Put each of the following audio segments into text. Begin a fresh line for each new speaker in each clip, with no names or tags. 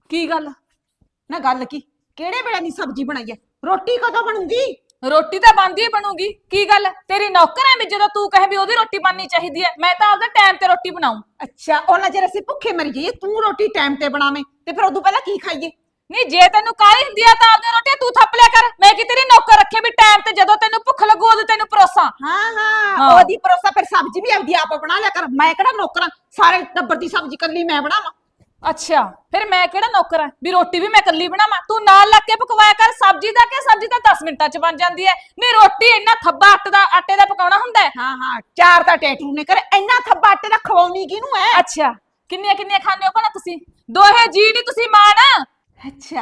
ਕੀ ਗੱਲ?
ਨਾ ਗੱਲ ਕੀ, ਕਿਹੜੇ ਵੇਲੇ ਦੀ ਸਬਜ਼ੀ ਬਣਾਈ ਹੈ? ਰੋਟੀ ਕਦੋਂ ਬਣੂਗੀ?
ਰੋਟੀ ਤਾਂ ਬਣਦੀ ਹੀ ਬਣੂਗੀ। ਕੀ ਗੱਲ ਤੇਰੀ ਨੌਕਰ ਐ ਵੀ ਜਦੋਂ ਤੂੰ ਕਹੇ ਵੀ ਉਹਦੀ ਰੋਟੀ ਬਣਨੀ ਚਾਹੀਦੀ ਐ, ਮੈਂ ਤਾਂ ਆਪਦਾ ਟਾਈਮ ਤੇ ਰੋਟੀ ਬਣਾਉਂ।
ਅੱਛਾ, ਉਹਨਾਂ ਚਿਰ ਅਸੀਂ ਭੁੱਖੇ ਮਰੀ ਜਾਈਏ, ਤੂੰ ਰੋਟੀ ਟਾਈਮ ਤੇ ਬਣਾਵੇਂ ਤੇ ਫਿਰ ਉਦੋਂ ਪਹਿਲਾਂ ਕੀ ਖਾਈਏ?
ਨਹੀਂ ਜੇ ਤੈਨੂੰ ਕਾਹਲੀ ਹੁੰਦੀ ਆ ਤਾਂ ਆਪਦੀ ਰੋਟੀ ਤੂੰ ਥੱਪ ਲਿਆ ਕਰ। ਮੈਂ ਕਿ ਤੇਰੀ ਨੌਕਰ ਰੱਖੇ ਵੀ ਟਾਈਮ ਤੇ ਜਦੋਂ ਤੈਨੂੰ ਭੁੱਖ ਲੱਗੂ ਉਦੋਂ ਤੈਨੂੰ ਪਰੋਸਾਂ।
ਹਾਂ ਹਾਂ,
ਹਾਂ।
ਉਹਦੀ ਪਰੋਸਾ ਫਿਰ ਸਬਜ਼ੀ ਵੀ ਆਪਦੀ ਆਪ ਬਣਾ ਲਿਆ ਕਰ। ਮੈਂ ਕਿਹੜਾ ਨੌਕਰਾਂ, ਸਾਰੇ ਟੱਬਰ ਦੀ ਸਬਜ਼ੀ ਕੱਲੀ ਮੈਂ ਬਣਾਵਾਂ?
ਅੱਛਾ, ਫਿਰ ਮੈਂ ਕਿਹੜਾ ਨੌਕਰ ਆ ਵੀ ਰੋਟੀ ਵੀ ਮੈਂ ਇਕੱਲੀ ਬਣਾਵਾਂ? ਤੂੰ ਨਾਲ ਲੱਗ ਕੇ ਪਕਵਾਇਆ ਕਰ। ਸਬਜ਼ੀ ਦਾ ਕਿ ਸਬਜ਼ੀ ਤਾਂ 10 ਮਿੰਟਾਂ ਚ ਬਣ ਜਾਂਦੀ ਐ। ਨਹੀਂ ਰੋਟੀ ਇੰਨਾ ਥੱਬਾ ਆਟੇ ਦਾ ਪਕਾਉਣਾ ਹੁੰਦਾ ਹੈ?
ਹਾਂ ਹਾਂ, ਚਾਰ ਤਾਂ ਟੈਟੂ ਨੇ ਕਰ, ਇੰਨਾ ਥੱਬਾ ਆਟੇ ਦਾ ਖਵਾਉਣੀ ਕਿਹਨੂੰ ਐ?
ਅੱਛਾ, ਕਿੰਨੀਆਂ ਕਿੰਨੀਆਂ ਖਾਂਦੇ ਹੋ ਭਲਾ ਤੁਸੀਂ? ਦੋਹੇ ਜੀ ਨਹੀਂ ਤੁਸੀਂ ਮਾਂ ਨਾ।
ਅੱਛਾ,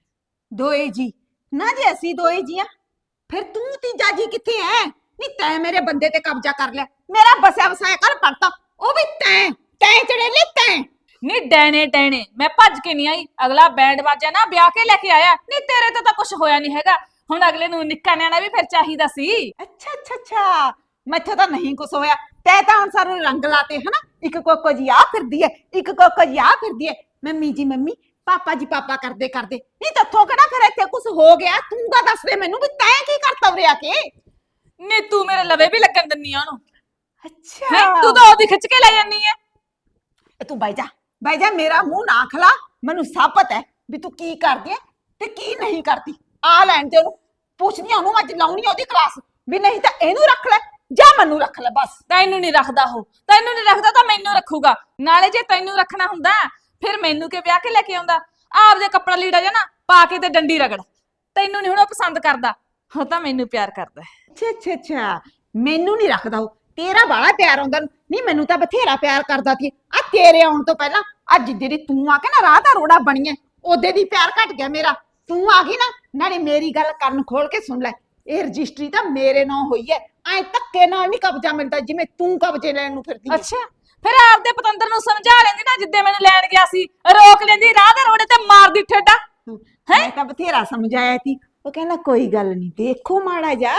ਦੋਏ ਜੀ ਨਾ, ਜੇ ਅਸੀਂ ਦੋਏ ਜੀ ਆ ਫਿਰ ਤੂੰ ਤੀਜਾ ਜੀ ਕਿੱਥੇ ਐ? ਨਹੀਂ ਤੈਂ ਮੇਰੇ ਬੰਦੇ ਤੇ ਕਬਜ਼ਾ ਕਰ ਲਿਆ, ਮੇਰਾ ਬਸਿਆ ਵਸਾਇਆ ਕਰ ਪੜਤਾ, ਉਹ ਵੀ ਤੈਂ ਤੈਂ ਚੜੇਲੇ ਤੈਂ।
ਨੀ ਡੈਣੇ ਡੈਣੇ ਮੈਂ ਭੱਜ ਕੇ ਨਹੀਂ ਆਈ। ਅਗਲਾ ਬੈਂਡ ਬਾਜਾ ਨਾ ਵਿਆਹ ਕੇ ਲੈ ਕੇ ਆਇਆ। ਨਹੀਂ ਤੇਰੇ ਤੇ ਤਾਂ ਕੁਝ ਹੋਇਆ ਨਹੀਂ ਹੈਗਾ। ਹੁਣ ਅਗਲੇ ਨੂੰ ਨਿੱਕਾ ਨਿਆਣਾ ਵੀ ਫਿਰ ਚਾਹੀਦਾ ਸੀ।
ਅੱਛਾ ਅੱਛਾ ਅੱਛਾ, ਮੈਥੋਂ ਤਾਂ ਨਹੀਂ ਕੁਛ ਹੋਇਆ। ਤੈ ਤਾਂ ਹੁਣ ਸਾਨੂੰ ਰੰਗ ਲਾਤੇ ਹਨਾ, ਇੱਕ ਕੋਕੋ ਜੀ ਆ ਫਿਰਦੀ ਐ, ਇੱਕ ਕੋਕੋ ਜੀ ਆ ਫਿਰਦੀ ਐ, ਮੰਮੀ ਜੀ ਮੰਮੀ, ਪਾਪਾ ਜੀ ਪਾਪਾ ਕਰਦੇ ਕਰਦੇ। ਨਹੀਂ ਤੱਥੋਂ ਕਿਹੜਾ ਫਿਰ ਇੱਥੇ ਕੁਛ ਹੋ ਗਿਆ? ਤੂੰ ਤਾਂ ਦੱਸ ਦੇ ਮੈਨੂੰ ਵੀ ਤੈਂ ਕੀ ਕਰਤਾ ਉਰੇ ਆ ਕੇ?
ਨੀ ਤੂੰ ਮੇਰੇ ਲਵੇ ਵੀ ਲੱਗਣ ਦਿੰਨੀ ਆ ਉਹਨੂੰ।
ਅੱਛਾ,
ਹੈ ਤੂੰ ਤਾਂ ਉਹਦੀ ਖਿੱਚ ਕੇ ਲੈ ਜਾਨੀ ਐ।
ਤੂੰ ਬਾਈ ਜਾ, ਮੇਰਾ ਮੂੰਹ ਨਾ ਖਲਾ। ਮੈਨੂੰ ਸਭ ਪਤਾ ਹੈ ਵੀ ਤੂੰ ਕੀ ਕਰਦੀ ਐ ਤੇ ਕੀ ਨਹੀਂ ਕਰਦੀ। ਆ ਲੈਣ ਤੇ ਉਹਨੂੰ, ਪੁੱਛਦੀ ਉਹਨੂੰ, ਅੱਜ ਲਾਉਣੀ ਉਹਦੀ ਕਲਾਸ ਵੀ, ਨਹੀਂ ਤਾਂ ਇਹਨੂੰ ਰੱਖ ਲੈ ਜਾਂ ਮੈਨੂੰ ਰੱਖ ਲੈ ਬਸ।
ਤੈਨੂੰ ਨਹੀਂ ਰੱਖਦਾ ਉਹ, ਤੈਨੂੰ ਨਹੀਂ ਰੱਖਦਾ ਤਾਂ ਮੈਨੂੰ ਰੱਖੂਗਾ। ਨਾਲੇ ਜੇ ਤੈਨੂੰ ਰੱਖਣਾ ਹੁੰਦਾ ਫਿਰ ਮੈਨੂੰ ਕਿ ਵਿਆਹ ਕੇ ਲੈ ਕੇ ਆਉਂਦਾ? ਆਪਦੇ ਕੱਪੜਾ ਲੀੜਾ ਜਾ ਨਾ ਪਾ ਕੇ ਤੇ ਡੰਡੀ ਰਗੜ। ਤੈਨੂੰ ਨਹੀਂ ਹੁਣ ਉਹ ਪਸੰਦ ਕਰਦਾ, ਉਹ ਤਾਂ ਮੈਨੂੰ ਪਿਆਰ ਕਰਦਾ।
ਅੱਛਾ ਅੱਛਾ ਅੱਛਾ, ਮੈਨੂੰ ਨਹੀਂ ਰੱਖਦਾ ਉਹ, ਤੇਰਾ ਬਾਲਾ ਪਿਆਰ ਆਉਂਦਾ। ਨਹੀਂ ਮੈਨੂੰ ਤਾਂ ਬਥੇਰਾ ਪਿਆਰ ਕਰਦਾ ਸੀ ਆ ਤੇਰੇ ਆਉਣ ਤੋਂ ਪਹਿਲਾਂ। ਅੱਜ ਜਿਹੜੀ ਤੂੰ ਆ ਕੇ ਨਾ ਰਾਹ ਦਾ ਰੋੜਾ ਬਣੀ ਐ, ਉਹਦੇ ਦੀ ਪਿਆਰ ਘਟ ਗਿਆ ਮੇਰਾ। ਤੂੰ ਆ ਗਈ ਨਾ, ਨਾਲੇ ਮੇਰੀ ਗੱਲ ਕੰਨ ਖੋਲ ਕੇ ਸੁਣ ਲੈ, ਇਹ ਰਜਿਸਟਰੀ ਤਾਂ ਮੇਰੇ ਨਾਂ ਹੋਈ ਐ। ਐ ਧੱਕੇ ਨਾਲ ਨਹੀਂ ਕਬਜ਼ਾ ਮਿਲਦਾ ਜਿਵੇਂ ਤੂੰ ਕਬਜ਼ੇ ਲੈਣ ਨੂੰ ਫਿਰਦੀ ਐ।
ਅੱਛਾ, ਫਿਰ ਆਪਦੇ ਪਤੰਦਰ ਨੂੰ ਸਮਝਾ ਲੈਂਦੀ ਨਾ, ਜਿੱਦੇ ਮੈਨੂੰ ਲੈਣ ਗਿਆ ਸੀ ਰੋਕ ਲੈਂਦੀ ਰਾਹ ਦੇ ਰੋੜੇ ਤੇ ਮਾਰਦੀ ਠੇਡਾ।
ਮੈਂ ਤਾਂ ਬਥੇਰਾ ਸਮਝਾਇਆ ਸੀ, ਉਹ ਕਹਿੰਦਾ ਕੋਈ ਗੱਲ ਨਹੀਂ, ਦੇਖੋ ਮਾੜਾ ਜਾ।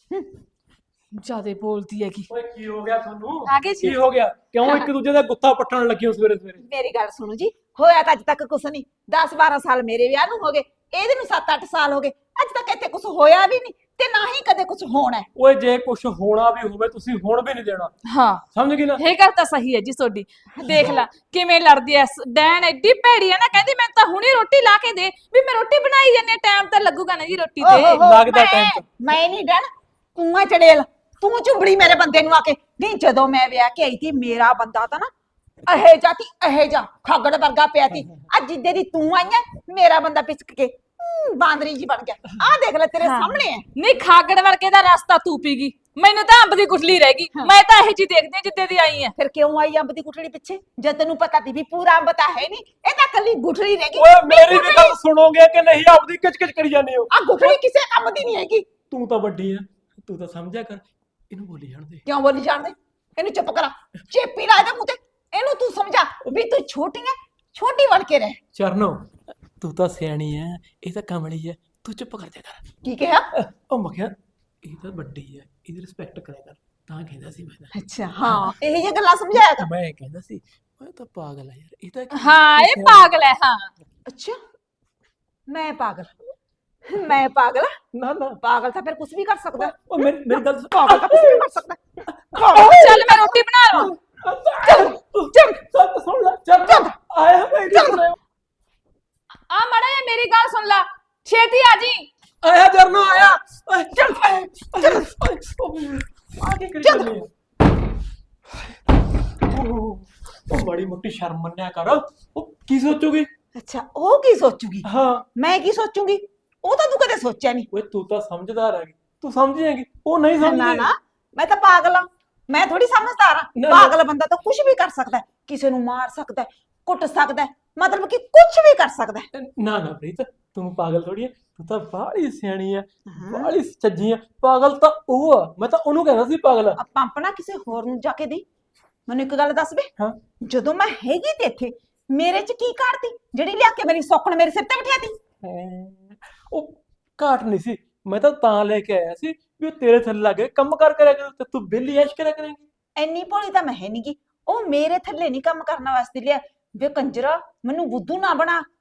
ਜਿਆਦੇ ਬੋਲਦੀ ਹੈਗੀ।
ਓਏ ਕੀ ਹੋ ਗਿਆ ਤੁਹਾਨੂੰ?
ਆ ਗਏ ਜੀ।
ਕੀ ਹੋ ਗਿਆ? ਕਿਉਂ ਇੱਕ ਦੂਜੇ ਦਾ ਗੁੱਸਾ ਪੱਟਣ ਲੱਗੇ ਹੋ ਸਵੇਰੇ ਸਵੇਰੇ?
ਮੇਰੀ ਗੱਲ ਸੁਣੋ ਜੀ, ਹੋਇਆ ਤਾਂ ਅੱਜ ਤੱਕ ਕੁਛ ਨਹੀਂ। 10-12 ਸਾਲ ਮੇਰੇ ਵਿਆਹ ਨੂੰ ਹੋ ਗਏ, ਇਹਦੇ ਨੂੰ 7-8 ਸਾਲ ਹੋ ਗਏ। ਅੱਜ ਤੱਕ ਇੱਥੇ ਕੁਛ ਹੋਇਆ ਵੀ ਨਹੀਂ ਤੇ ਨਾ ਹੀ ਕਦੇ ਕੁਛ ਹੋਣਾ ਹੈ।
ਓਏ ਜੇ ਕੁਝ ਹੋਣਾ ਵੀ ਹੋਵੇ ਤੁਸੀਂ ਹੁਣ ਵੀ ਨਹੀਂ ਦੇਣਾ,
ਹਾਂ
ਸਮਝ ਗਈ ਨਾ?
ਇਹ ਗੱਲ ਤਾਂ ਸਹੀ ਹੈ ਜੀ ਤੁਹਾਡੀ। ਦੇਖ ਲੈ ਕਿਵੇਂ ਲੜਦੀ ਐ ਡੈਣ, ਐਡੀ ਭੈੜੀ ਐ ਨਾ। ਕਹਿੰਦੀ ਮੈਂ ਤਾਂ ਹੁਣੇ ਰੋਟੀ ਲਾ ਕੇ ਦੇ, ਵੀ ਮੈਂ ਰੋਟੀ ਬਣਾਈ ਜਾਂਦੀ, ਟਾਈਮ ਤਾਂ ਲੱਗੂਗਾ ਨਾ ਜੀ ਰੋਟੀ ਤੇ।
ਲੱਗਦਾ time ਤਾਂ।
ਮੈਂ ਨਹੀਂ ਡਣ, ਤੂੰ ਆ ਚੜੇਲ, ਤੂੰ ਝੁੰਬੜੀ ਮੇਰੇ ਬੰਦੇ ਨੂੰ ਆ ਕੇ। ਨਹੀਂ ਜਦੋਂ ਮੈਂ ਵਿਆਹ ਕੇ ਆਈ ਸੀ, ਮੇਰਾ ਬੰਦਾ ਤਾਂ ਨਾ ਇਹ ਜਾ ਖਾਗੜ ਵਰਗਾ ਪਿਆ ਸੀ। ਅੱਜ ਜਿੱਦੇ ਦੀ ਤੂੰ ਆਈ ਐ, ਮੇਰਾ ਬੰਦਾ ਪਿਚਕ ਕੇ ਬਾਂਦਰੀ ਜੀ ਬਣ ਗਿਆ। ਆਹ ਦੇਖ ਲੈ ਤੇਰੇ ਸਾਹਮਣੇ ਐ।
ਨਹੀਂ ਖਾਗੜ ਵਰਗੇ ਦਾ ਰਸਤਾ ਤੂੰ ਪੀ ਗਈ, ਮੈਨੂੰ ਤਾਂ ਅੰਬ ਦੀ ਗੁਠਲੀ ਰਹਿ ਗਈ। ਮੈਂ ਤਾਂ ਇਹ ਜੀ ਦੇਖਦੀ ਹਾਂ ਜਿੱਦੇ ਦੀ ਆਈ ਐ।
ਫਿਰ ਕਿਉਂ ਆਈ ਅੰਬ ਦੀ ਗੁਠੜੀ ਪਿੱਛੇ, ਜਦ ਤੈਨੂੰ ਪਤਾ ਸੀ ਵੀ ਪੂਰਾ ਅੰਬ ਤਾਂ ਹੈ ਨਹੀਂ, ਇਹ ਤਾਂ ਕੱਲੀ ਗੁਠੜੀ ਰਹਿ ਗਈ।
ਓਏ ਮੇਰੀ ਵੀ ਗੱਲ ਸੁਣੋਗੇ ਕਿ ਨਹੀਂ? ਆਪਦੀ ਕਿਚ-ਕਿਚ ਕਰੀ ਜਾਂਦੇ ਹੋ।
ਆ ਗੁਠੜੀ ਕਿਸੇ ਕੰਮ ਦੀ ਨਹੀਂ ਹੈਗੀ।
ਤੂੰ ਤਾਂ ਵੱਡੀ ਆ, ਤੂੰ ਤਾਂ ਸਮਝਿਆ ਕਰ। ਇਹਨੂੰ ਬੋਲੀ ਜਾਣ ਦੇ।
ਕਿਉਂ ਬੋਲੀ ਜਾਣਦੇ? ਇਹਨੂੰ ਚੁੱਪ ਕਰਾ, ਚੇਪੀ ਲਾ ਦੇ ਮੂੰਹ ਤੇ। ਇਹਨੂੰ ਤੂੰ ਸਮਝਾ ਵੀ ਤੂੰ ਛੋਟੀ ਐ, ਛੋਟੀ ਬਣ ਕੇ ਰਹਿ।
ਚਰਨੋ ਤੂੰ ਤਾਂ ਸਿਆਣੀ ਐ, ਇਹ ਤਾਂ ਕਮਲੀ ਐ, ਤੂੰ ਚੁੱਪ ਕਰ ਜਾ ਕਰ।
ਕੀ ਕਿਹਾ?
ਉਹ ਮੈਂ ਕਿਹਾ ਇਹ ਤਾਂ ਵੱਡੀ ਐ, ਇਹਦੀ ਰਿਸਪੈਕਟ ਕਰਿਆ ਕਰ। ਤਾਂ ਕਹਿੰਦਾ ਸੀ ਮੈਂ।
ਅੱਛਾ ਹਾਂ, ਇਹ ਜਿਹੀਆਂ ਗੱਲਾਂ ਸਮਝਾਇਆ ਕਰ।
ਮੈਂ ਕਹਿੰਦਾ ਸੀ ਮੈਂ ਤਾਂ ਪਾਗਲ ਆ ਯਾਰ, ਇਹ ਤਾਂ
ਹਾਂ ਇਹ ਪਾਗਲ ਹੈ। ਹਾਂ
ਅੱਛਾ, ਮੈਂ ਪਾਗਲ? ਮੈਂ ਪਾਗਲ?
ਨਾ ਨਾ
ਪਾਗਲ ਤਾਂ ਫਿਰ ਕੁਝ ਵੀ ਕਰ ਸਕਦਾ।
ਉਹ ਮੇਰੀ ਗੱਲ
ਪਾਗਲ ਤਾਂ ਕੁਝ ਵੀ ਕਰ ਸਕਦਾ।
ਚੱਲ ਮੈਂ ਰੋਟੀ ਬਣਾ ਲਵਾਂ।
ਚੱਲ ਸੁਣ ਲੈ, ਚੱਲ ਆਇਆ ਮੈਂ ਚੱਲ
ਆ ਮਾੜਾ ਜਿਹਾ ਮੇਰੀ ਗੱਲ ਸੁਣ ਲੈ, ਛੇਤੀ ਆ ਜੀ।
ਆਇਆ ਜਰਨੋ ਆਇਆ। ਚੱਲ ਆ ਕੇ ਕਰੀ ਜਾਂਦੀ ਆ। ਉਹ ਬੜੀ ਮੋਟੀ ਸ਼ਰਮ ਮੰਨਿਆ ਕਰ। ਉਹ ਕੀ ਸੋਚੂਗੀ?
ਅੱਛਾ, ਉਹ ਕੀ ਸੋਚੂਗੀ?
ਹਾਂ
ਮੈਂ ਕੀ ਸੋਚੂਗੀ? ਉਹ ਤਾਂ ਤੂੰ ਕਦੇ ਸੋਚਿਆ ਨਹੀਂ।
ਓਏ ਤੂੰ ਤਾਂ ਸਮਝਦਾਰ ਹੈਗੀ, ਤੂੰ ਸਮਝ ਜਾਏਗੀ, ਉਹ ਨਹੀਂ
ਨਾ
ਸਮਝਦੀ।
ਨਾ, ਮੈਂ ਤਾਂ ਪਾਗਲ ਆ, ਮੈਂ ਥੋੜੀ ਸਮਝਦਾਰ ਆ।
ਨਾ, ਨਾ।
ਪਾਗਲ ਬੰਦਾ ਤਾਂ ਕੁਝ ਵੀ ਕਰ ਸਕਦਾ ਹੈ, ਕਿਸੇ ਨੂੰ ਮਾਰ ਸਕਦਾ ਹੈ, ਕੁੱਟ ਸਕਦਾ ਹੈ, ਮਤਲਬ ਕਿ ਕੁਝ ਵੀ ਕਰ ਸਕਦਾ ਹੈ।
ਨਾ ਨਾ ਪ੍ਰੀਤ, ਤੂੰ ਪਾਗਲ ਥੋੜੀ ਹੈ, ਤੂੰ ਤਾਂ ਬਾਹਲੀ ਸਿਆਣੀ ਹੈ, ਬਾਹਲੀ ਚੱਜੀ ਹੈ। ਪਾਗਲ ਤਾਂ ਉਹ ਆ, ਮੈਂ ਤਾਂ ਉਹਨੂੰ ਕਹਿੰਦਾ ਸੀ ਪਾਗਲ ਆ।
ਪੰਪ ਨਾ ਕਿਸੇ ਹੋਰ ਨੂੰ ਜਾ ਕੇ ਦੇ। ਮੈਨੂੰ ਇੱਕ ਗੱਲ ਦੱਸ ਵੇ,
ਹਾਂ
ਜਦੋਂ ਮੈਂ ਹੈਗੀ ਤੇ ਇੱਥੇ ਮੇਰੇ ਚ ਕੀ ਘਾਟ ਤੀ ਜਿਹੜੀ ਲਿਆ ਕੇ ਮੇਰੀ ਸੌਕਣ ਮੇਰੇ ਸਿਰ ਤੇ ਬਿਠਾਤੀ?
ਉਹ ਘਾਟ ਨਹੀਂ ਸੀ, ਮੈਂ ਤਾਂ ਲੈ ਕੇ ਆਇਆ ਸੀ ਵੀ ਉਹ ਤੇਰੇ ਥੱਲੇ ਲੱਗੇ ਕੰਮ ਕਰ ਕਰਿਆ ਕਰੂ ਤੇ ਤੂੰ ਬਿੱਲੀ ਐਸ਼ ਕਰਿਆ ਕਰੇਂਗੀ।
ਇੰਨੀ ਭੋਲੀ ਤਾਂ ਮੈਂ ਹੈ ਨੀ ਗੀ, ਉਹ ਮੇਰੇ ਥੱਲੇ ਨਹੀਂ ਕੰਮ ਕਰਨ ਵਾਸਤੇ ਲਿਆ। ਵੇ ਕੰਜਰਾ, ਮੈਨੂੰ ਬੁੱਧੂ ਨਾ ਬਣਾ।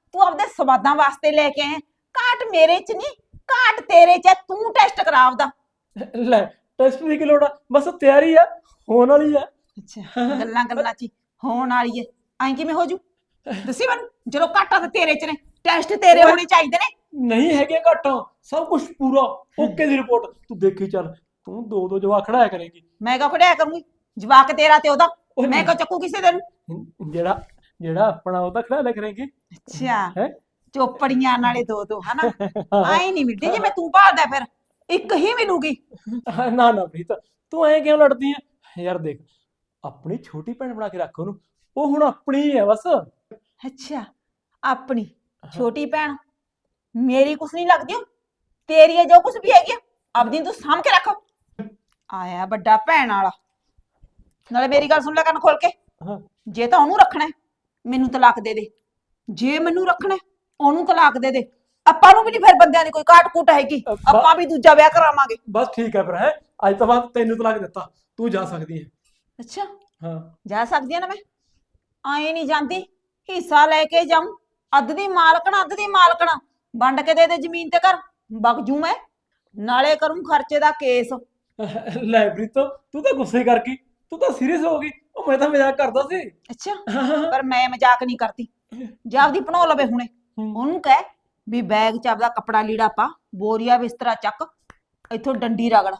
ਤੂੰ ਆਪਦੇ ਸਵਾਦਾਂ ਵਾਸਤੇ ਲੈ ਕੇ ਆਇਆ। ਘਾਟ ਮੇਰੇ ਚ ਨਹੀਂ, ਘਾਟ ਤੇਰੇ ਚ ਹੈ। ਤੂੰ ਟੈਸਟ ਕਰਾ ਆਪਦਾ।
ਲੈ ਟੈਸਟ ਦੀ ਕੀ ਲੋੜ ਆ, ਬਸ ਤਿਆਰੀ ਆ, ਹੋਣ ਵਾਲੀ ਆ।
ਅੱਛਾ, ਗੱਲਾਂ ਗੱਲਾਂ ਚ ਹੀ ਹੋਣ ਵਾਲੀ ਹੈ। ਐਂ ਕਿਵੇਂ ਹੋ ਜੂ? ਦੱਸੀ ਮੈਨੂੰ, ਜਦੋਂ ਘਾਟਾਂ ਤਾਂ ਤੇਰੇ ਚ ਨੇ, ਟੈਸਟ ਤੇਰੇ ਹੋਣੇ ਚਾਹੀਦੇ ਨੇ।
ਨਹੀਂ ਹੈਗੇ ਘਾਟਾਂ, ਸਭ ਕੁਝ ਪੂਰਾ ਓਕੇ ਦੀ ਰਿਪੋਰਟ। ਤੂੰ ਦੇਖੀ ਚੱਲ, ਤੂੰ ਦੋ ਦੋ ਜਵਾਕ ਖੜਾਇਆ ਕਰੇਗੀ।
ਮੈਂ ਕਿਉਂ ਖੜਿਆ ਕਰੂੰਗੀ? ਜਵਾਕ ਤੇਰਾ ਤੇ ਉਹਦਾ,
ਉਹ
ਮੈਂ ਕਿਉਂ ਚੱਕੂ ਕਿਸੇ ਦੇ ਨੂੰ?
ਜਿਹੜਾ ਜਿਹੜਾ ਆਪਣਾ ਉਹ ਤਾਂ ਖੜਾ ਲਿਆ ਕਰੇਗੀ।
ਅੱਛਾ,
ਹੈ
ਚੋਪੜੀਆਂ ਨਾਲੇ ਦੋ ਦੋ ਹਨਾ। ਆਏ ਨਹੀਂ ਮਿਲਦੀ ਜਿਵੇਂ ਤੂੰ ਭਾਲਦਾ, ਫਿਰ ਇੱਕ ਹੀ ਮਿਲੂਗੀ।
ਨਾ ਨਾ ਪ੍ਰੀਤ, ਤੂੰ ਐਂ ਕਿਉਂ ਲੜਦੀ ਆ ਯਾਰ? ਦੇਖ, ਆਪਣੀ ਛੋਟੀ ਭੈਣ ਬਣਾ ਕੇ ਰੱਖ ਉਹਨੂੰ, ਉਹ ਹੁਣ ਆਪਣੀ ਹੀ ਹੈ ਬਸ।
ਅੱਛਾ, ਆਪਣੀ ਛੋਟੀ ਭੈਣ ਮੇਰੀ ਕੁਛ ਨਹੀਂ ਲੱਗਦੀ ਉਹ, ਤੇਰੀ ਹੈ ਜੋ ਕੁਛ ਵੀ ਹੈਗੀ ਆ, ਆਪਦੀ ਤੂੰ ਸਾਂਭ ਕੇ ਰੱਖ। ਆਇਆ ਵੱਡਾ ਭੈਣ ਵਾਲਾ। ਨਾਲੇ ਮੇਰੀ ਗੱਲ ਸੁਣ ਲੈ ਕੰਨ ਖੋਲ ਕੇ,
ਹਾਂ
ਜੇ ਤਾਂ ਉਹਨੂੰ ਰੱਖਣਾ ਹੈ, ਮੈਨੂੰ ਤਲਾਕ ਦੇ ਦੇ। ਜੇ ਮੈਨੂੰ ਰੱਖਣਾ ਹੈ, ਉਹਨੂੰ ਤਲਾਕ ਦੇ ਦੇ। ਆਪਾਂ ਨੂੰ ਵੀ ਨਹੀਂ ਫਿਰ ਬੰਦਿਆਂ ਦੀ ਕੋਈ ਕਾਟ ਕੂਟ ਹੈਗੀ, ਆਪਾਂ ਵੀ ਦੂਜਾ ਵਿਆਹ ਕਰਾਵਾਂਗੇ।
ਬਸ ਠੀਕ ਹੈ ਫਿਰ, ਹੈ ਅੱਜ ਤੋਂ ਬਾਅਦ ਤੈਨੂੰ ਤਲਾਕ ਦਿੱਤਾ, ਤੂੰ ਜਾ ਸਕਦੀ ਹੈ।
ਅੱਛਾ,
ਹਾਂ
ਜਾ ਸਕਦੀ ਆ ਨਾ ਮੈਂ? ਆਏ ਨਹੀਂ ਜਾਂਦੀ, ਹਿੱਸਾ ਲੈ ਕੇ ਜਾਊਂ। ਅੱਧ ਦੀ ਮਾਲਕਣਾ, ਅੱਧ ਦੀ ਮਾਲਕਣਾ ਵੰਡ ਕੇ ਦੇ ਦੇ ਜ਼ਮੀਨ ਤੇ ਘਰ, ਵਗ ਜੂ ਮੈਂ। ਨਾਲੇ ਕਰੂੰ ਖਰਚੇ ਦਾ ਕੇਸ।
ਲੈ ਪ੍ਰੀਤੋ, ਤੂੰ ਤਾਂ ਗੁੱਸੇ ਕਰ ਗਈ, ਤੂੰ ਤਾਂ ਸੀਰੀਅਸ ਹੋ ਗਈ। ਉਹ ਮੈਂ ਤਾਂ ਮਜ਼ਾਕ ਕਰਦਾ ਸੀ।
ਅੱਛਾ, ਪਰ ਮੈਂ ਮਜ਼ਾਕ ਨਹੀਂ ਕਰਦੀ। ਜਾ ਆਪਦੀ ਭਣੋ ਲਵੇ ਹੁਣੇ, ਉਹਨੂੰ ਕਹਿ ਵੀ ਬੈਗ ਚ ਆਪਦਾ ਕੱਪੜਾ ਲੀੜਾ ਪਾ, ਬੋਰੀਆ ਬਿਸਤਰਾ ਚੱਕ, ਇੱਥੋਂ ਡੰਡੀ ਰਗੜ।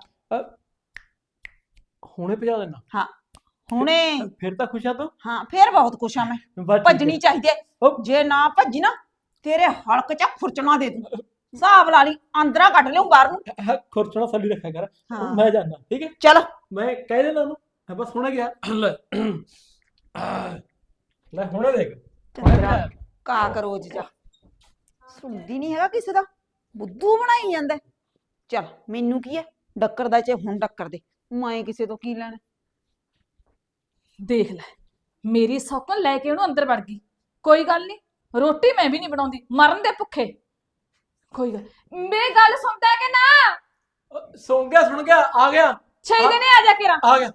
ਹੁਣੇ ਭਜਾ ਦੇਣਾ?
ਹਾਂ ਹੁਣੇ।
ਫਿਰ ਤਾਂ ਖੁਸ਼ ਆ ਤੂੰ?
ਹਾਂ ਫੇਰ ਬਹੁਤ ਖੁਸ਼ ਆ ਮੈਂ।
ਬਸ ਠੀਕ
ਭੱਜਣੀ
ਹੈ।
ਚਾਹੀਦੀ ਹੈ, ਜੇ ਨਾ ਭੱਜੀ ਨਾ ਤੇਰੇ ਹਲਕ ਚ ਖੁਰਚਣਾ ਦੇ ਦੂੰ। ਹਿਸਾਬ ਲਾ ਲਈ, ਅੰਦਰਾਂ ਕੱਢ ਲਿਓ ਬਾਹਰ ਨੂੰ।
ਖੁਰਚਣਾ ਸੱਲੀ ਰੱਖਿਆ ਕਰ।
ਹਾਂ।
ਮੈਂ ਜਾਣਾ, ਠੀਕ ਹੈ?
ਚਲ
ਮੈਂ ਕਹਿ ਦੇਣਾ ਉਹਨੂੰ, ਮੈਂ ਬਸ ਹੁਣੇ ਗਿਆ। ਲੈ ਲੈ ਹੁਣੇ ਦੇਖ।
ਚੰਦਰਾ ਕਾਕਰੋਚ ਜਾ, ਸੁਣਦੀ ਨਹੀਂ ਹੈਗਾ ਕਿਸੇ ਦਾ, ਬੁੱਧੂ ਬਣਾਈ ਜਾਂਦਾ। ਚਲ ਮੈਨੂੰ ਕੀ ਹੈ, ਡੱਕਰ ਦਾ ਚੇ ਹੁਣ ਡੱਕਰ ਦੇ, ਮੈਂ ਕਿਸੇ ਤੋਂ ਕੀ ਲੈਣਾ।
ਦੇਖ ਲੈ, ਮੇਰੀ ਸੌਕਣ ਲੈ ਕੇ ਉਹਨੂੰ ਅੰਦਰ ਵੜ ਗਈ। ਕੋਈ ਗੱਲ ਨਹੀਂ, ਰੋਟੀ ਮੈਂ ਵੀ ਨਹੀਂ ਬਣਾਉਂਦੀ, ਮਰਨ ਦੇ ਭੁੱਖੇ। ਕੋਈ ਗੱਲ, ਮੇਰੀ ਗੱਲ ਸੁਣਦਾ ਹੈ ਕਿ ਨਾ?
ਸੁਣ ਗਿਆ, ਆ ਗਿਆ।
ਛੇ ਦਿਨੇ ਆ ਜਾ ਕੇ।
ਆ ਗਿਆ।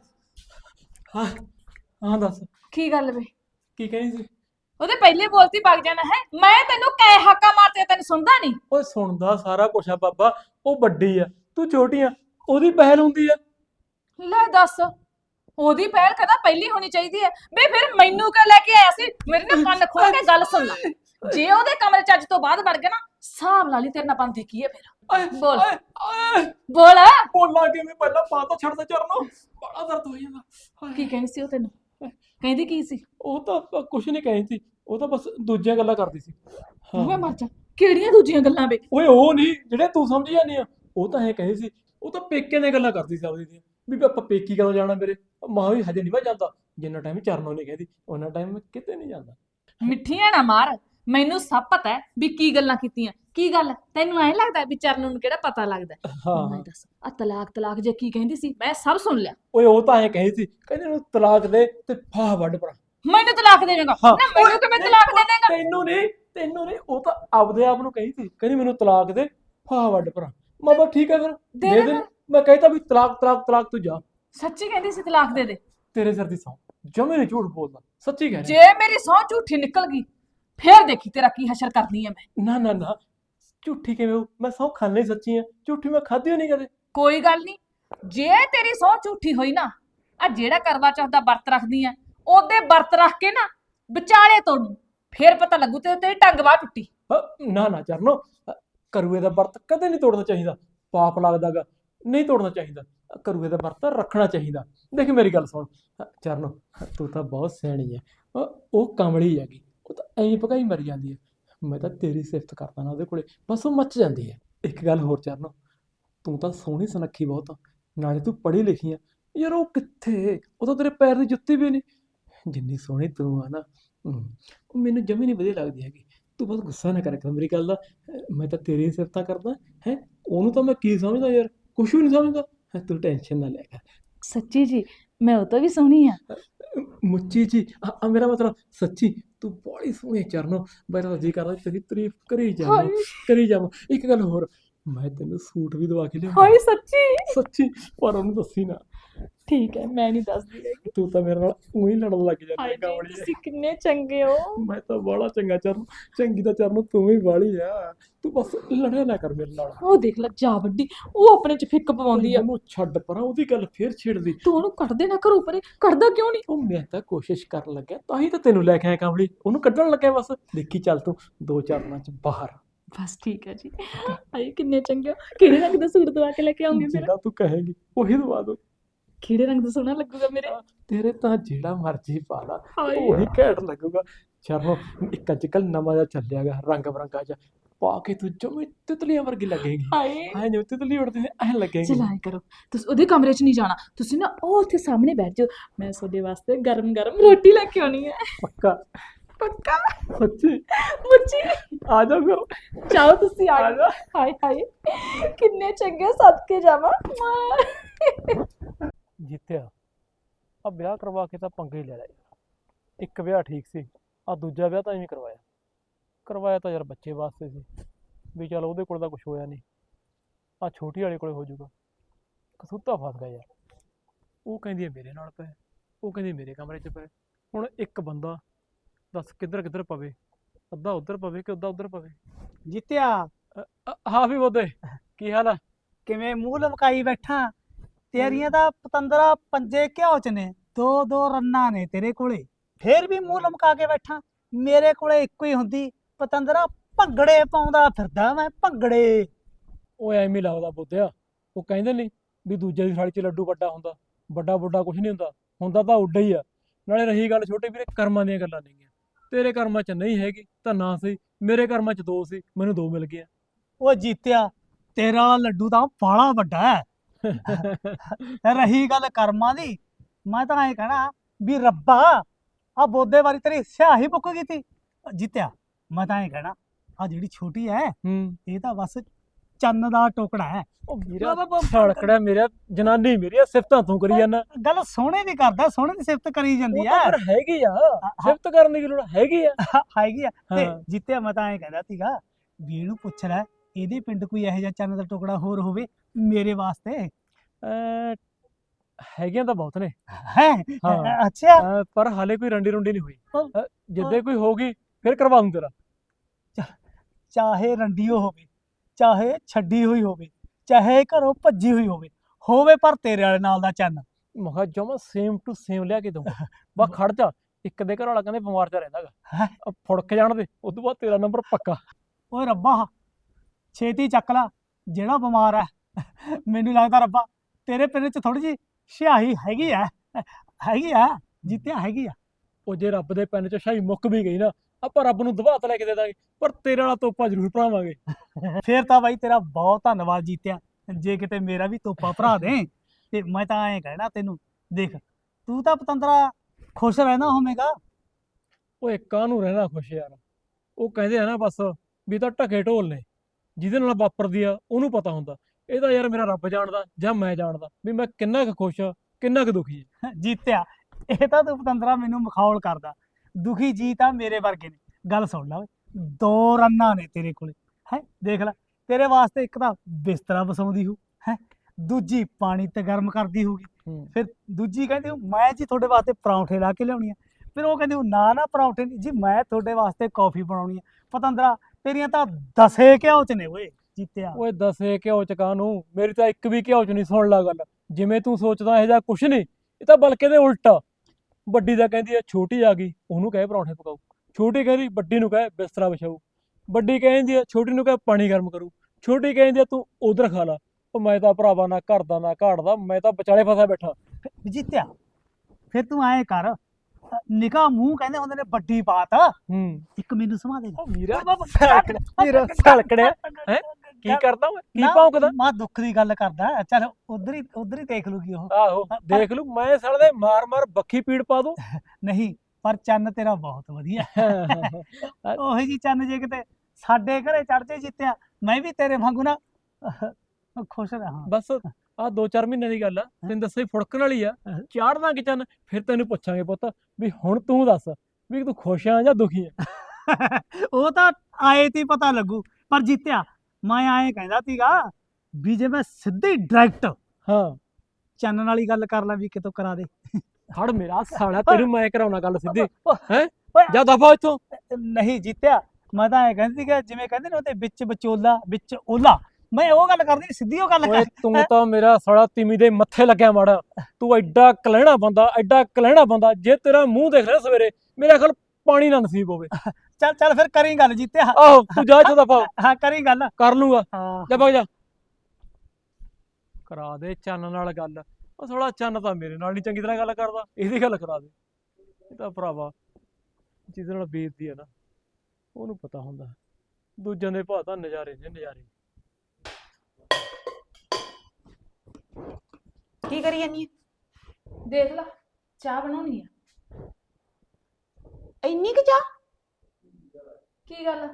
ਹਾਂ ਹਾਂ ਦੱਸ
ਕੀ ਗੱਲ ਵੇ?
ਕੀ ਕਹੀ ਸੀ?
ਉਹਦੇ ਪਹਿਲੇ ਬੋਲਤੀ ਵਗ ਜਾਣਾ ਹੈ। ਮੈਂ ਤੈਨੂੰ ਕੈ ਹਾਕਾ ਮਾਰਤੇ, ਤੈਨੂੰ ਸੁਣਦਾ ਨਹੀਂ?
ਓਏ ਸੁਣਦਾ ਸਾਰਾ ਕੁਛ ਆ ਬਾਬਾ, ਉਹ ਵੱਡੀ ਆ, ਤੂੰ ਛੋਟੀ ਆ, ਉਹਦੀ ਪਹਿਲ ਹੁੰਦੀ ਆ।
ਲੈ ਦੱਸ, ਉਹਦੀ ਪਹਿਲ ਕਹਿੰਦਾ ਪਹਿਲੀ ਹੋਣੀ ਚਾਹੀਦੀ ਹੈ ਬੇ। ਫਿਰ ਮੈਨੂੰ ਕਿਉਂ ਲੈ ਕੇ ਆਇਆ ਸੀ? ਮੇਰੇ ਨਾਲ ਕੰਨ ਖੋਲ ਕੇ ਗੱਲ ਸੁਣ ਲੈ। ਜੇ ਉਹਦੇ ਕਮਰੇ ਚ ਅੱਜ ਤੋਂ ਬਾਅਦ ਵੜ ਗਿਆ ਨਾ, ਹਿਸਾਬ ਲਾ ਲਈ ਤੇਰੇ ਨਾਲ ਬਣਦੀ ਕੀ ਹੈ ਫਿਰ। ਬੋਲ ਬੋਲ।
ਬੋਲਾਂ ਕਿਵੇਂ? ਪਹਿਲਾਂ ਪਾਤਾ ਛੱਡ ਦੇ ਚਰਨੋਂ, ਬੜਾ ਦਰਦ ਹੋ ਜਾਂਦਾ।
ਕੀ ਕਹਿੰਦੀ ਸੀ ਉਹ ਤੈਨੂੰ? ਕਹਿੰਦੀ ਕੀ ਸੀ?
ਉਹ ਤਾਂ ਕੁਛ ਨਹੀਂ ਕਹੀ ਸੀ, ਉਹ ਤਾਂ ਬਸ ਦੂਜੀਆਂ ਗੱਲਾਂ ਕਰਦੀ ਸੀ।
ਮੈਂ ਮਰ ਜਾ, ਕਿਹੜੀਆਂ ਦੂਜੀਆਂ ਗੱਲਾਂ ਵੇ?
ਓਏ ਉਹ ਨਹੀਂ ਜਿਹੜੇ ਤੂੰ ਸਮਝੀ ਜਾਂਦੀ ਆ, ਉਹ ਤਾਂ ਐ ਕਹੀ ਸੀ। ਉਹ ਤਾਂ ਪੇਕੇ ਦੀਆਂ ਗੱਲਾਂ ਕਰਦੀ ਸੀ ਆਪਦੀ ਦੀਆਂ, ਵੀ ਆਪਾਂ ਪੇਕੀ ਕਦੋਂ ਜਾਣਾ। ਮੇਰੇ ਮਾਂ ਵੀ ਹਜੇ ਨਹੀਂ ਵਾ ਜਾਂਦਾ, ਜਿੰਨਾ ਟਾਈਮ ਚਰਨੋਂ ਨਹੀਂ ਕਹਿੰਦੀ ਉਹਨਾਂ ਟਾਈਮ ਮੈਂ ਕਿਤੇ ਨਹੀਂ ਜਾਂਦਾ।
ਮਿੱਠੀਆਂ ਨਾ ਮਾਰ, ਮੈਨੂੰ ਸਭ ਪਤਾ ਹੈ ਵੀ ਕੀ ਗੱਲਾਂ ਕੀਤੀਆਂ। ਕੀ ਗੱਲ ਤੈਨੂੰ ਐਂ ਲੱਗਦਾ ਵੀ ਚਰਨ ਨੂੰ ਕਿਹੜਾ ਪਤਾ ਲੱਗਦਾ?
ਹਾਂ
ਦੱਸ, ਆ ਤਲਾਕ ਜੇ ਕੀ ਕਹਿੰਦੀ ਸੀ, ਮੈਂ ਸਭ ਸੁਣ ਲਿਆ।
ਓਏ ਉਹ ਤਾਂ ਐ ਕਹੀ ਸੀ, ਕਹਿੰਦੇ ਨੂੰ ਤਲਾਕ ਦੇ ਤੇ ਫਾਹ ਵੱਢ ਪਰਾ।
ਮੈਨੂੰ ਤਲਾਕ ਦੇ ਦੇਗਾ? ਨਾ ਮੈਨੂੰ ਕਿਵੇਂ ਤਲਾਕ ਦੇ ਦੇਗਾ?
ਤੈਨੂੰ ਨਹੀਂ, ਉਹ ਤਾਂ ਆਪਦੇ ਆਪ ਨੂੰ ਕਹੀ ਸੀ, ਕਹਿੰਦੀ ਮੈਨੂੰ ਤਲਾਕ ਦੇ ਫਾਹ ਵੱਢ ਪਰਾ। ਮੈਂ ਬਸ ਠੀਕ ਹੈ ਫਿਰ ਦੇ ਦੇ। ਮੈਂ ਕਹਿਤਾ ਵੀ ਤਲਾਕ ਤਲਾਕ ਤਲਾਕ, ਤੂੰ ਜਾ।
ਸੱਚੀ ਕਹਿੰਦੀ ਸੀ ਤਲਾਕ ਦੇ ਦੇ?
ਤੇਰੇ ਸਿਰ ਦੀ ਸੌਂ, ਜਮੇ ਨਹੀਂ ਝੂਠ ਬੋਲਦਾ, ਸੱਚੀ ਕਹਿ ਰਿਹਾ।
ਜੇ ਮੇਰੀ ਸੌਂ ਝੂਠੀ ਨਿਕਲ ਗਈ, ਫੇਰ ਦੇਖੀ ਤੇਰਾ ਕੀ ਹਸ਼ਰ ਕਰਨੀ ਹੈ ਮੈਂ।
ਨਾ ਨਾ ਨਾ, ਝੂਠੀ ਕਿਵੇਂ ਹੋ? ਮੈਂ ਸੌਂ ਖਾਣੇ ਸੱਚੀ ਆ, ਝੂਠੀ ਮੈਂ ਖਾਧੀ ਹੋਈ ਨਹੀਂ ਕਦੇ।
ਕੋਈ ਗੱਲ ਨਹੀਂ, ਜੇ ਤੇਰੀ ਸਹੁੰ ਝੂਠੀ ਹੋਈ ਨਾ, ਆ ਜਿਹੜਾ ਕਰਵਾ ਚੌਥ ਦਾ ਵਰਤ ਰੱਖਦੀ ਆ, ਉਹਦੇ ਵਰਤ ਰੱਖ ਕੇ ਨਾ ਵਿਚਾਲੇ ਤੋੜੂ, ਫੇਰ ਪਤਾ ਲੱਗੂ ਤੇ ਤੇਰੀ ਟੰਗ ਬਾਹ ਟੁੱਟੀ।
ਨਾ ਨਾ ਚਰਨੋ, ਕਰੂਏ ਦਾ ਵਰਤ ਕਦੇ ਨਹੀਂ ਤੋੜਨਾ ਚਾਹੀਦਾ, ਪਾਪ ਲੱਗਦਾਗਾ, ਨਹੀਂ ਤੋੜਨਾ ਚਾਹੀਦਾ। ਕਰੂਏ ਦਾ ਵਰਤ ਰੱਖਣਾ ਚਾਹੀਦਾ। ਦੇਖ ਮੇਰੀ ਗੱਲ ਸੁਣ ਚਰਨੋ, ਤੂੰ ਤਾਂ ਬਹੁਤ ਸਿਆਣੀ ਹੈ, ਉਹ ਕਮਲੀ ਹੈਗੀ, ਉਹ ਤਾਂ ਐਂ ਭਕਾਈ ਮਰੀ ਜਾਂਦੀ ਹੈ। ਮੈਂ ਤਾਂ ਤੇਰੀ ਸਿਫਤ ਕਰਦਾ ਨਾ ਉਹਦੇ ਕੋਲੇ, ਬਸ ਉਹ ਮੱਚ ਜਾਂਦੀ ਹੈ। ਇੱਕ ਗੱਲ ਹੋਰ ਚਰਨੋ, ਤੂੰ ਤਾਂ ਸੋਹਣੀ ਸੁਨੱਖੀ ਬਹੁਤ ਆ, ਨਾਲੇ ਤੂੰ ਪੜ੍ਹੀ ਲਿਖੀ ਆ। ਯਾਰ ਉਹ ਕਿੱਥੇ, ਉਹ ਤਾਂ ਤੇਰੇ ਪੈਰ ਦੀ ਜੁੱਤੀ ਵੀ ਨਹੀਂ। ਜਿੰਨੀ ਸੋਹਣੀ ਤੂੰ ਆ ਨਾ, ਉਹ ਮੈਨੂੰ ਜਮੀ ਨਹੀਂ ਵਧੀਆ ਲੱਗਦੀ ਹੈਗੀ। ਤੂੰ ਬਸ ਗੁੱਸਾ ਨਾ ਕਰ ਮੇਰੀ ਗੱਲ ਦਾ, ਮੈਂ ਤਾਂ ਤੇਰੀ ਸਿਫਤਾਂ ਕਰਦਾ ਹੈ। ਉਹਨੂੰ ਤਾਂ ਮੈਂ ਕੀ ਸਮਝਦਾ ਯਾਰ, ਕੁਛ ਵੀ ਨਹੀਂ ਸਮਝਦਾ। ਤੂੰ ਟੈਨਸ਼ਨ ਨਾ ਲੈ ਕਰ।
ਸੱਚੀ ਜੀ, ਮੈਂ ਉਹ ਤੋਂ ਵੀ ਸੋਹਣੀ ਆ।
ਮੁੱਚੀ ਜੀ, ਮੇਰਾ ਮਤਲਬ ਸੱਚੀ ਤੂੰ ਬੜੀ ਸੋਹਣੀ ਚਰਨੋ। ਮੇਰਾ ਤਾਂ ਜੀ ਕਰਦਾ ਤੇਰੀ ਤਾਰੀਫ ਕਰੀ ਜਾਵਾਂ। ਇੱਕ ਗੱਲ ਹੋਰ, ਮੈਂ ਤੈਨੂੰ ਸੂਟ ਵੀ ਦਵਾ ਕੇ ਲਿਆਉਂਦਾ।
ਹਾਏ ਸੱਚੀ?
ਸੱਚੀ, ਪਰ ਉਹਨੂੰ ਦੱਸੀ ਨਾ।
ਠੀਕ ਹੈ, ਮੈਂ ਨਹੀਂ ਦੱਸਦੀ ਹੈਗੀ।
ਤੂੰ ਤਾਂ ਮੇਰੇ ਨਾਲ ਉਹੀ ਲੜਨ ਲੱਗ ਜਾਂਦੀ
ਹਾਏ
ਹੈ
ਜੀ,
ਕਾਮੜੀ।
ਤੁਸੀਂ ਕਿੰਨੇ ਚੰਗੇ ਹੋ।
ਮੈਂ ਤਾਂ ਬਾਹਲਾ ਚੰਗਾ ਚਰਨ, ਚੰਗੀ ਤਾਂ ਚਰਨ ਤੂੰ ਵੀ ਬਾਹਲੀ ਆ। ਤੂੰ ਬਸ ਲੜਿਆ ਨਾ ਕਰ ਮੇਰੇ ਨਾਲ।
ਉਹ ਦੇਖ ਲੈ ਜਾ ਵੱਡੀ, ਉਹ ਆਪਣੇ ਚ ਫਿੱਕ ਪਵਾਉਂਦੀ ਆ।
ਉਹਨੂੰ ਛੱਡ ਪਰਾਂ, ਉਹਦੀ ਗੱਲ ਫੇਰ ਛੇੜਦੀ।
ਤੂੰ ਉਹਨੂੰ ਕੱਢਦੇ ਨਾ ਘਰੋਂ ਪਰੇ, ਕੱਢਦਾ ਕਿਉਂ ਨਹੀਂ?
ਉਹ ਮੈਂ ਤਾਂ ਕੋਸ਼ਿਸ਼ ਕਰਨ ਲੱਗਿਆ, ਤਾਂ ਹੀ ਤਾਂ ਤੈਨੂੰ ਲੈ ਕੇ ਆਇਆ ਕਾਮੜੀ। ਉਹਨੂੰ ਕੱਢਣ ਲੱਗਿਆ ਬਸ। ਦੇਖੀ ਚੱਲ ਤੂੰ 2-4 ਦਿਨਾਂ ਚ ਬਾਹਰ।
ਬਸ ਠੀਕ ਹੈ ਜੀ। ਹਾਏ ਕਿੰਨੇ ਚੰਗੇ ਹੋ। ਕਿਹੜੇ ਰੰਗ ਦਾ ਸੂਟ ਦਵਾ ਕੇ ਲੈ ਕੇ ਆਉਂਗੇ ਫਿਰ?
ਜਿਹੜਾ ਤੂੰ ਕਹੇਂਗੀ ਉਹੀ ਦਵਾ ਦੂੰ।
ਕਿਹੜੇ ਰੰਗ ਦਾ ਸੋਹਣਾ ਲੱਗੂਗਾ ਮੇਰੇ?
ਤੇਰੇ ਤਾਂ ਜਿਹੜਾ ਮਰਜ਼ੀ ਪਾ ਲਾ,
ਹਾਏ।
ਉਹੀ ਘੈਂਟ ਲੱਗੂਗਾ। ਚਰਨੋ ਇੱਕ ਅੱਜ ਕੱਲ ਨਵਾਂ ਜਿਹਾ ਚੱਲਿਆ ਗਾ ਰੰਗ ਬਰੰਗਾ ਜਿਹਾ, ਪਾ ਕੇ ਤੂੰ ਜਮੇ ਤਿਤਲੀਆਂ ਵਰਗੀ ਲੱਗੇਗੀ।
ਹਾਏ
ਐ ਜਿਵੇਂ ਤਿਤਲੀ ਉੜਦੀ ਨੇ ਐ ਲੱਗੇਗੀ।
ਚਲ ਐਂ ਕਰੋ, ਤੁਸੀਂ ਉਹਦੇ ਕਮਰੇ 'ਚ ਨਹੀਂ ਜਾਣਾ, ਤੁਸੀਂ ਨਾ ਉਹ ਉੱਥੇ ਸਾਹਮਣੇ ਬੈਠ ਜਾਓ, ਮੈਂ ਤੁਹਾਡੇ ਵਾਸਤੇ ਗਰਮ ਗਰਮ ਰੋਟੀ ਲੈ ਕੇ ਆਉਣੀ ਹੈ।
ਪੱਕਾ?
ਪੱਕਾ
ਸੱਚੀ?
ਮੁੱਚੀ
ਆ ਜਾ ਫਿਰ।
ਚਾਹੋ ਤੁਸੀਂ ਆ
ਆ
ਜਾਓ। ਹਾਏ ਹਾਏ ਕਿੰਨੇ ਚੰਗੇ, ਸਦਕੇ ਜਾਵਾਂ।
ਜਿੱਤਿਆ ਆ ਵਿਆਹ ਕਰਵਾ ਕੇ ਤਾਂ ਪੰਗੇ ਹੀ ਲੈ ਲਿਆ ਯਾਰ। ਇੱਕ ਵਿਆਹ ਠੀਕ ਸੀ, ਆ ਦੂਜਾ ਵਿਆਹ ਤਾਂ ਐਵੇਂ ਕਰਵਾਇਆ ਤਾਂ ਯਾਰ ਬੱਚੇ ਵਾਸਤੇ ਸੀ, ਵੀ ਚੱਲ ਉਹਦੇ ਕੋਲ ਤਾਂ ਕੁਝ ਹੋਇਆ ਨਹੀਂ, ਆ ਛੋਟੀ ਵਾਲੇ ਕੋਲੇ ਹੋ ਜਾਊਗਾ। ਕਸੂਤਾ ਫਸ ਗਿਆ ਯਾਰ। ਉਹ ਕਹਿੰਦੀ ਹੈ ਮੇਰੇ ਨਾਲ ਪਏ, ਉਹ ਕਹਿੰਦੀ ਮੇਰੇ ਕਮਰੇ 'ਚ ਪਏ। ਹੁਣ ਇੱਕ ਬੰਦਾ ਦੱਸ ਕਿੱਧਰ ਕਿੱਧਰ ਪਵੇ, ਅੱਧਾ ਉੱਧਰ ਪਵੇ ਕਿ ਅੱਧਾ ਉੱਧਰ ਪਵੇ।
ਜਿੱਤਿਆ
ਹਾਂ ਵੀ ਬੋਦੇ, ਕੀ ਹਾਲ ਆ?
ਕਿਵੇਂ ਮੂੰਹ ਲਮਕਾਈ ਬੈਠਾ? ਤੇਰੀਆਂ ਤਾਂ ਪਤੰਦਰਾ ਪੰਜੇ ਘਿਓ ਚ ਨੇ, 2-2 ਰੰਨਾਂ ਨੇ ਤੇਰੇ ਕੋਲੇ, ਫੇਰ ਵੀ ਮੂੰਹ ਲਮਕਾ ਕੇ ਬੈਠਾ। ਮੇਰੇ ਕੋਲੇ ਇੱਕੋ ਹੀ ਹੁੰਦੀ ਪਤੰਦਰਾ, ਭੰਗੜੇ ਪਾਉਂਦਾ ਫਿਰਦਾ ਮੈਂ ਭੰਗੜੇ।
ਉਹ ਐਵੇਂ ਲੱਗਦਾ ਬੋਦਿਆ, ਉਹ ਕਹਿੰਦੇ ਨਹੀਂ ਵੀ ਦੂਜੇ ਦੀ ਥਾਲੀ 'ਚ ਲੱਡੂ ਵੱਡਾ ਹੁੰਦਾ, ਵੱਡਾ ਵੱਡਾ ਕੁਝ ਨਹੀਂ ਹੁੰਦਾ, ਹੁੰਦਾ ਤਾਂ ਉੱਡਾ ਹੀ ਆ। ਨਾਲੇ ਰਹੀ ਗੱਲ ਛੋਟੇ ਵੀਰੇ ਕਰਮਾਂ ਦੀਆਂ ਗੱਲਾਂ ਨੇਗੀਆਂ, ਤੇਰੇ ਕਰਮਾਂ 'ਚ ਨਹੀਂ ਹੈਗੀ ਤਾਂ ਨਾ ਸਹੀ, ਮੇਰੇ ਕਰਮਾਂ 'ਚ 2 ਸੀ, ਮੈਨੂੰ 2 ਮਿਲ ਗਿਆ।
ਉਹ ਜੀਤਿਆ ਤੇਰਾ ਲੱਡੂ ਤਾਂ ਬਾਲਾ ਵੱਡਾ ਹੈ। ਰਹੀ ਗੱਲ ਕਰਮਾਂ ਦੀ, ਮੈਂ ਤਾਂ ਐ ਕਹਿਣਾ ਵੀ ਰੱਬਾ ਆ ਬੋਦੇ ਵਾਰੀ ਤੇਰੀ ਸਿਆਹੀ ਮੁੱਕ ਗਈ ਤੀ। ਜੀਤਿਆ ਮੈਂ ਤਾਂ ਐ ਕਹਿਣਾ ਆ ਜਿਹੜੀ ਛੋਟੀ ਐ ਇਹ ਤਾਂ ਬਸ ਚੰਨ ਦਾ ਟੁਕੜਾ ਹੈ।
ਉਹ ਮੇਰਾ ਸੜਕੜਾ, ਮੇਰਾ ਜਨਾਨੀ ਮੇਰੀ ਸਿਫਤਾਂ ਤੂੰ ਕਰੀ ਜਾਂਦਾ।
ਗੱਲ ਸੋਹਣੇ ਦੀ ਕਰਦਾ, ਸੋਹਣੇ ਦੀ ਸਿਫਤ ਕਰੀ ਜਾਂਦੀ
ਉਹ
ਆ।
ਤਾਂ ਫਿਰ ਹੈਗੀ ਆ, ਸਿਫਤ ਕਰਨ ਦੀ ਕੀ ਲੋੜ ਹੈਗੀ ਆ।
ਹੈਗੀ ਆ ਤੇ
ਹਾਂ।
ਜੀਤਿਆ ਮੈਂ ਤਾਂ ਐ ਕਹਿੰਦਾ ਸੀਗਾ ਵੀ ਇਹਨੂੰ ਪੁੱਛ ਲੈ, ਇਹਦੇ ਪਿੰਡ ਕੋਈ ਇਹੋ ਜਿਹਾ ਚੰਨ ਦਾ ਟੁਕੜਾ ਹੋਰ ਹੋਵੇ ਮੇਰੇ ਵਾਸਤੇ।
ਹੈਗੀਆਂ ਤਾਂ ਬਹੁਤ ਨੇ
ਹੈ
ਹਾਂ।
ਅੱਛਾ
ਪਰ ਹਾਲੇ ਕੋਈ ਰੰਡੀ ਰੁੰਡੀ ਨਹੀਂ ਹੋਈ।
ਹਾਂ।
ਜਿੱਦੇ ਕੋਈ ਹੋਗੀ ਫਿਰ ਕਰਵਾ ਦੂੰ ਤੇਰਾ।
ਚਾਹੇ ਰੰਡੀਓ ਹੋਵੇ, ਚਾਹੇ ਛੱਡੀ ਹੋਈ ਹੋਵੇ, ਚਾਹੇ ਘਰੋਂ ਭੱਜੀ ਹੋਈ ਹੋਵੇ ਪਰ ਤੇਰੇ ਵਾਲੇ ਨਾਲ ਦਾ ਚੰਨ।
ਮੈਂ ਕਿਹਾ ਜਮਾ ਸੇਮ ਟੂ ਸੇਮ ਲਿਆ ਕੇ ਦਊਂਗਾ। ਬਸ ਖੜ ਜਾ, ਇੱਕ ਦੇ ਘਰ ਵਾਲਾ ਕਹਿੰਦੇ ਬਿਮਾਰ ਚ ਰਹਿੰਦਾ ਗਾ,
ਹੈਂ?
ਫੁੜਕ ਜਾਣ ਦੇ, ਉਸ ਤੋਂ ਬਾਅਦ ਤੇਰਾ ਨੰਬਰ ਪੱਕਾ।
ਓਏ ਰੱਬਾ ਛੇਤੀ ਚੱਕ ਲਾ ਜਿਹੜਾ ਬਿਮਾਰ ਹੈ। ਮੈਨੂੰ ਲੱਗਦਾ ਰੱਬਾ ਤੇਰੇ ਪਿੰਡ 'ਚ ਥੋੜੀ ਜਿਹੀ ਸਿਆਹੀ ਹੈਗੀ ਆ ਜੀਤਿਆ, ਹੈਗੀ ਆ।
ਉਹ ਜੇ ਰੱਬ ਦੇ ਪੈਨ ਚ ਸ਼ਾਹੀ ਮੁੱਕ ਵੀ ਗਈ ਨਾ, ਆਪਾਂ ਰੱਬ ਨੂੰ ਦਵਾਤ ਲੈ ਕੇ ਦੇ ਦਾਂਗੇ, ਪਰ ਤੇਰੇ ਵਾਲਾ ਤੋਪਾ ਜ਼ਰੂਰ ਭਰਾਵਾਂਗੇ।
ਫੇਰ ਤਾਂ ਬਾਈ ਤੇਰਾ ਬਹੁਤ ਧੰਨਵਾਦ ਜੀਤਿਆ, ਜੇ ਕਿਤੇ ਮੇਰਾ ਵੀ ਤੋਪਾ ਭਰਾ ਦੇ। ਤੇ ਮੈਂ ਤਾਂ ਐਂ ਕਹਿਣਾ ਤੈਨੂੰ, ਦੇਖ ਤੂੰ ਤਾਂ ਪਤੰਦਰਾ ਖੁਸ਼ ਰਹਿਣਾ ਹੋਵੇਂਗਾ।
ਓਏ ਕਾਹਨੂੰ ਰਹਿਣਾ ਖੁਸ਼ ਯਾਰ, ਉਹ ਕਹਿੰਦੇ ਆ ਨਾ ਬਸ ਵੀ ਤਾਂ ਢਕੇ ਢੋਲ ਨੇ, ਜਿਹਦੇ ਨਾਲ ਵਾਪਰਦੀ ਆ ਉਹਨੂੰ ਪਤਾ ਹੁੰਦਾ। ਇਹ ਤਾਂ ਯਾਰ ਮੇਰਾ ਰੱਬ ਜਾਣਦਾ ਜਾਂ ਮੈਂ ਜਾਣਦਾ ਵੀ ਮੈਂ ਕਿੰਨਾ ਕੁ ਖੁਸ਼ ਆ ਕਿੰਨਾ ਕੁ ਦੁਖੀ ਆ।
ਜੀਤਿਆ ਇਹ ਤਾਂ ਤੂੰ ਪਤੰਦਰਾ ਮੈਨੂੰ ਮਖੌਲ ਕਰਦਾ, ਦੁਖੀ ਜੀ ਤਾਂ ਮੇਰੇ ਵਰਗੇ ਨੇ। ਗੱਲ ਸੁਣ ਲੈ ਓਏ, 2 ਰੰਨਾਂ ਨੇ ਤੇਰੇ ਕੋਲੇ ਹੈ, ਦੇਖ ਲੈ ਤੇਰੇ ਵਾਸਤੇ ਇੱਕ ਤਾਂ ਬਿਸਤਰਾ ਵਸਾਉਂਦੀ ਹੋ ਹੈ, ਦੂਜੀ ਪਾਣੀ ਤੇ ਗਰਮ ਕਰਦੀ ਹੋਊਗੀ, ਫਿਰ ਦੂਜੀ ਕਹਿੰਦੀ ਮੈਂ ਜੀ ਤੁਹਾਡੇ ਵਾਸਤੇ ਪਰੌਂਠੇ ਲਾ ਕੇ ਲਿਆਉਣੀ ਆ, ਫਿਰ ਉਹ ਕਹਿੰਦੀ ਨਾ ਪਰੌਂਠੇ ਨਹੀਂ ਜੀ, ਮੈਂ ਤੁਹਾਡੇ ਵਾਸਤੇ ਕੌਫੀ ਬਣਾਉਣੀ ਆ। ਪਤੰਦਰਾ ਤੇਰੀਆਂ ਤਾਂ 10 ਘਿਓ ਚ ਨੇ ਓਏ ਜੀਤਿਆ।
ਓਏ 10 ਘਿਓ ਚ ਕਾਹਨੂੰ, ਮੇਰੀ ਤਾਂ ਇੱਕ ਵੀ ਘਿਓ ਚ ਨਹੀਂ। ਸੁਣ ਲਾ ਗੱਲ, ਜਿਵੇਂ ਤੂੰ ਸੋਚਦਾ ਇਹ ਜਿਹਾ ਕੁਛ ਨਹੀਂ, ਇਹ ਤਾਂ ਬਲਕਿ ਦੇ ਉਲਟਾ। ਵੱਡੀ ਦਾ ਕਹਿੰਦੀ ਆ ਛੋਟੀ ਆ ਗਈ ਉਹਨੂੰ ਕਹੇ ਪਰੌਂਠੇ ਪਕਾਓ, ਛੋਟੀ ਕਹਿੰਦੀ ਵੱਡੀ ਨੂੰ ਕਹੇ ਬਿਸਤਰਾ ਵਿਛਾਊ, ਵੱਡੀ ਕਹਿੰਦੀ ਆ ਛੋਟੀ ਨੂੰ ਕਹੇ ਪਾਣੀ ਗਰਮ ਕਰੂ, ਛੋਟੀ ਕਹਿੰਦੀ ਆ ਤੂੰ ਉਧਰ ਖਾ ਲਾ। ਉਹ ਮੈਂ ਤਾਂ ਭਰਾਵਾ ਨਾ ਘਰ ਦਾ ਨਾ ਘਾਟ ਦਾ, ਮੈਂ ਤਾਂ ਵਿਚਾਲੇ ਫਸਿਆ ਬੈਠਾ।
ਜੀਤਿਆ ਫਿਰ ਤੂੰ ਐਂ ਕਰ, ਨਿਕਾ ਮੂੰਹ ਕਹਿੰਦੇ ਹੁੰਦੇ ਨੇ ਵੱਡੀ ਬਾਤ, ਇੱਕ ਮੈਨੂੰ ਸਮਾ ਦੇ।
ਮੇਰਾ ਸਲਕੜਿਆ ਹੈ, ਕੀ ਕਰਦਾ ਮੈਂ, ਕੀ ਭੌਂਕਦਾ?
ਮੈਂ ਦੁੱਖ ਦੀ ਗੱਲ ਕਰਦਾ, ਚੱਲ ਉਧਰ ਹੀ ਦੇਖ ਲੂਗੀ ਉਹ।
ਆਹੋ ਦੇਖ ਲੂ, ਮੈਂ ਸੜਦੇ ਮਾਰ ਮਾਰ ਬੱਖੀ ਪੀੜ ਪਾ ਦੂੰ।
ਨਹੀਂ ਪਰ ਚੰਨ ਤੇਰਾ ਬਹੁਤ ਵਧੀਆ। ਉਹੀ ਜੀ ਚੰਨ ਜੇ ਕਿਤੇ ਸਾਡੇ ਘਰੇ ਚੜ ਜੇ ਜੀਤਿਆ, ਮੈਂ ਵੀ ਤੇਰੇ ਵਾਂਗੂ ਨਾ ਖੁਸ਼ ਰਹਾਂ।
ਬਸ ਆਹ 2-4 ਮਹੀਨੇ ਦੀ ਗੱਲ ਆ, ਤੈਨੂੰ ਦੱਸੇ ਫੁੜਕਣ ਵਾਲੀ ਆ, ਚਾੜਨਾ ਕਿ ਚੰਨ ਫਿਰ ਤੈਨੂੰ ਪੁੱਛਾਂਗੇ ਪੁੱਤ ਵੀ ਹੁਣ ਤੂੰ ਦੱਸ ਵੀ ਤੂੰ ਖੁਸ਼ ਆ ਜਾਂ ਦੁਖੀ ਆ।
ਉਹ ਤਾਂ ਆਏ ਤੇ ਪਤਾ ਲੱਗੂ, ਪਰ ਜੀਤਿਆ ਮੈਂ ਐਂ ਕਹਿੰਦਾ ਸੀਗਾ ਵੀ ਜੇ ਮੈਂ ਸਿੱਧੇ ਡਾਇਰੈਕਟ
ਹਾਂ
ਚੰਨਨ ਵਾਲੀ ਗੱਲ ਕਰ ਲੈ ਵੀ ਕਿਤੋਂ ਕਰਾ ਦੇ।
ਖੜ ਮੇਰਾ ਸਾਲਾ, ਤੈਨੂੰ ਮੈਂ ਕਰਾਉਣਾ ਗੱਲ ਸਿੱਧੀ। ਹੈ
ਓਏ
ਜਾ ਦਫਾ ਇੱਥੋਂ।
ਨਹੀਂ ਜੀਤਿਆ, ਮੈਂ ਤਾਂ ਐ ਕਹਿੰਦੀ ਸੀ ਕਿ ਜਿਵੇਂ ਕਹਿੰਦੇ ਨੇ ਉਹਦੇ ਵਿੱਚ ਵਿਚੋਲਾ ਵਿੱਚ ਓਲਾ, ਮੈਂ ਉਹ ਗੱਲ ਕਰਦੀ ਨੀ, ਸਿੱਧੀ ਉਹ ਗੱਲ
ਓਏ
ਕਰ।
ਤੂੰ ਤਾਂ ਮੇਰਾ ਸਾਲਾ ਤਿਮੀ ਦੇ ਮੱਥੇ ਲੱਗਿਆ ਮਾੜਾ। ਤੂੰ ਐਡਾ ਕਲਹਿਣਾ ਬੰਦਾ, ਐਡਾ ਕਲਹਿਣਾ ਬੰਦਾ, ਜੇ ਤੇਰਾ ਮੂੰਹ ਦੇਖ ਲਿਆ ਸਵੇਰੇ ਮੇਰੇ ਖਿਆਲ ਪਾਣੀ ਨਾ ਨਸੀਬ ਹੋਵੇ।
ਚੱਲ ਚੱਲ ਫਿਰ ਕਰੀ ਗੱਲ ਜੀਤਿਆ।
ਆਹੋ ਤੂੰ ਜਾ ਇੱਥੋਂ ਦਫਾ,
ਹਾਂ ਕਰੀ ਗੱਲ।
ਕਰ ਲੂੰਗਾ।
ਹਾਂ
ਜਾ ਭਗ ਜਾ। ਕਰਾ ਦੇ ਚੰਨ ਨਾਲ ਗੱਲ। ਉਹ ਥੋੜਾ ਚੰਨ ਤਾਂ ਮੇਰੇ ਨਾਲ ਨਹੀਂ ਚੰਗੀ ਤਰ੍ਹਾਂ ਗੱਲ ਕਰਦਾ, ਇਹਦੀ ਗੱਲ ਕਰਾ ਦੇ। ਇਹ ਤਾਂ ਭਰਾਵਾ ਜਿਹਦੇ ਨਾਲ ਬੇਇੱਜ਼ਤੀ ਹੈ ਨਾ ਉਹਨੂੰ ਪਤਾ ਹੁੰਦਾ, ਦੂਜਿਆਂ ਦੇ ਭਾਅ ਤਾਂ ਨਜ਼ਾਰੇ ਨੇ ਨਜ਼ਾਰੇ।
ਕੀ ਕਰੀ ਜਾਨੀ
ਦੇਖ ਲਾ, ਚਾਹ ਬਣਾਉਣੀ ਆ।
ਐ ਇੰਨੀ ਕੁ ਚਾਹ?
ਕੀ ਗੱਲ?